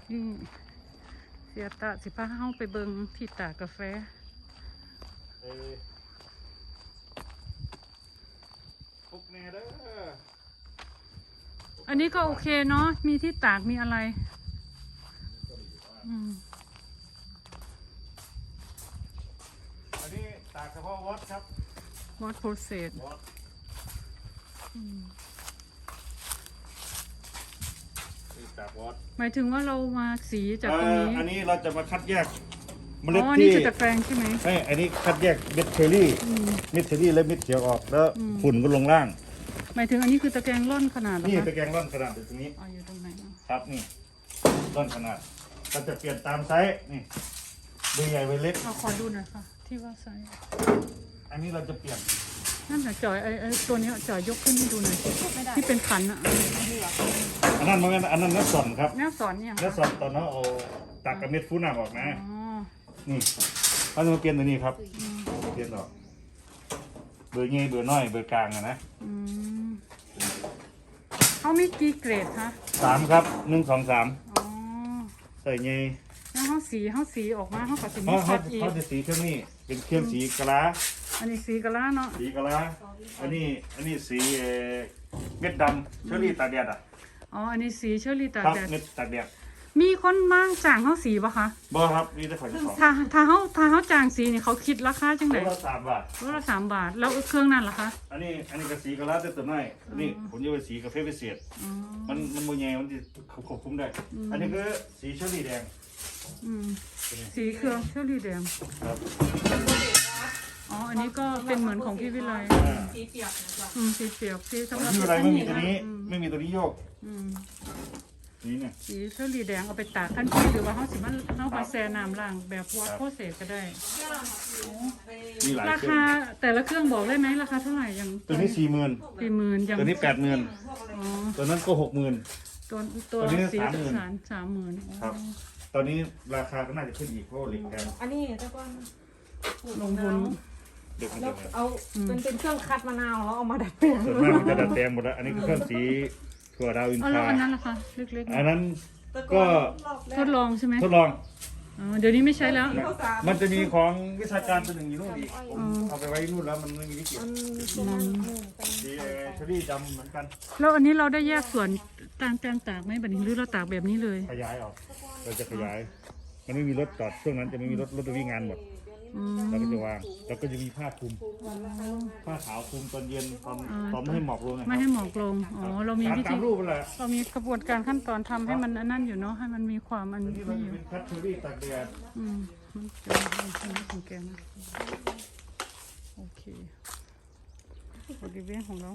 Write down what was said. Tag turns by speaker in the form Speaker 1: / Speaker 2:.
Speaker 1: นี่เสียตาสิพาเฮาไปเบิงที่ตากกาแฟ
Speaker 2: ปุ๊กแน่เด้อ
Speaker 1: อันนี้ก็โอเคเนาะมีที่ตากมีอะไร
Speaker 2: อันนี้ตากเฉพาะวอตครับ
Speaker 1: วอตโปรเซส
Speaker 2: ตากวอต
Speaker 1: หมายถึงว่าเรามาสีจากตรงนี้
Speaker 2: อันนี้เราจะมาคัดแยกเมล็ด
Speaker 1: อ๋อ
Speaker 2: ที่
Speaker 1: นี่คือตะแกรงใช่ไหม
Speaker 2: ไม่อันนี้คัดแยกเม็ดเชอรี่เม็ดเชอรี่และเม็ดเขียวออกแล้วฝุ่นก็ลงล่าง
Speaker 1: หมายถึงอันนี้คือตะแกรงร่อนขนาดเหรอคะ
Speaker 2: นี่ตะแกรงร่อนขนาดตรงนี้
Speaker 1: อยู่ตรงไหน
Speaker 2: ครับนี่ร่อนขนาดเราจะเปลี่ยนตามไซส์นี่เบอร์ใหญ่เบอร์เล็ก
Speaker 1: ขอดูหน่อยค่ะที่ว่าไซส์
Speaker 2: อันนี้เราจะเปลี่ยน
Speaker 1: นั่นแหละจ่อยไอ้ตัวนี้จ่อยยกขึ้นให้ดูหน่อยที่เป็นขันอ่ะ
Speaker 2: อันนั้นมันอันนั้นนักสอนครับ
Speaker 1: นักสอนเนี่ย
Speaker 2: นักสอนตอนนั้นเอาตากกับเม็ดฟูน้ำออกนะนี่เขาจะมาเปลี่ยนตัวนี้ครับเปลี่ยนออกเบอร์เงี้ยเบอร์น้อยเบอร์กลางนะ
Speaker 1: เขามีกี่เกรดคะ
Speaker 2: 3ครับ1 2 3ใส่เงี้ย
Speaker 1: แล้วเขาสีออกมาเขาก็สีมีคัดอีก
Speaker 2: เขาจะสีเครื่องนี้เป็นเครื่องสีกะลา
Speaker 1: อันนี้สีกะลาเนาะ
Speaker 2: สีกะลาอันนี้สีเม็ดดำเชอรี่ตากแดด
Speaker 1: อันนี้สีเชอรี่ตากแดด
Speaker 2: เม็ดตากแดด
Speaker 1: มีคนมาจ้างเขาสีปะคะ
Speaker 2: บ่ครับนี่จะขอจะขอ
Speaker 1: ถ้าเขาจ้างสีนี่เขาคิดราคาจังไหน
Speaker 2: รถละ3 บาท
Speaker 1: รถละ3 บาทแล้วเครื่องนั้นล่ะคะ
Speaker 2: อันนี้ก็สีกะลาแต่ตัวน้อยอันนี้ผมจะไปสีกาแฟพิเศษมันโมเยมันจะควบคุมได้อันนี้คือสีเชอรี่แดง
Speaker 1: สีเครื่องเชอรี่แดง
Speaker 2: ครับ
Speaker 1: อันนี้ก็เป็นเหมือนของพี่วิไล
Speaker 3: สีเปียกนะครับ
Speaker 1: สีเปียกสีสำหรับ
Speaker 2: พี่วิไลไม่มีตัวนี้ไม่มีตัวนี้โยกนี่เนี่ย
Speaker 1: สีเชอรี่แดงเอาไปตากทันทีหรือว่าเขาสิมันเขาไปแช่น้ำล้างแบบวอตโปรเซสก็ได้ราคาแต่ละเครื่องบอกได้ไหมราคาเท่าไหร่อย่าง
Speaker 2: ตัวนี้40,000
Speaker 1: อย่าง
Speaker 2: ตัวนี้80,000ตัวนั้นก็60,000
Speaker 1: ตัวสี30,000
Speaker 2: ครับตอนนี้ราคาก็น่าจะขึ้นอีกเพราะเหล็กแพง
Speaker 3: อันนี้เจ้าก้อน
Speaker 1: ลงทุน
Speaker 3: แล้วเอาเป็นเครื่องคัดมะนาวแล้วเอามาดัดแปลง
Speaker 2: ส่วนมากมันจะดัดแปลงหมดแล้วอันนี้คือเครื่องสีถั่วดาวอินทรา
Speaker 1: อันนั้นล่ะคะเล็ก
Speaker 2: ๆอันนั้นก็
Speaker 1: ทดลองใช่ไหม
Speaker 2: ทดลอง
Speaker 1: เดี๋ยวนี้ไม่ใช้แล้ว
Speaker 2: มันจะมีของวิชาการตัวหนึ่งอยู่นู่นอีกเอาไปไว้นู่นแล้วมันไม่มีที่เก็บสีเชอรี่ดำเหมือนกัน
Speaker 1: แล้วอันนี้เราได้แยกส่วนต่างตากไหมแบบนี้หรือเราตากแบบนี้เลย
Speaker 2: ขยายออกเราจะขยายมันไม่มีรถจอดช่วงนั้นจะไม่มีรถไปวิ่งงานหมดเราก็จะวางแล้วก็จะมีผ้าคลุมผ้าขาวคลุมตอนเย็นตอนไม่ให้หมอกลง
Speaker 1: ไม่ให้หมอกลงเรามีวิธี
Speaker 2: รูปอะไร
Speaker 1: เรามีกระบวนการขั้นตอนทำให้มันนั่นอยู่เนาะให้มันมีความอันนี้อยู่
Speaker 2: เป็นคัตเชอรี่ตากแดด
Speaker 1: มันจะเป็นของแกนะโอเคบริเวณของเรา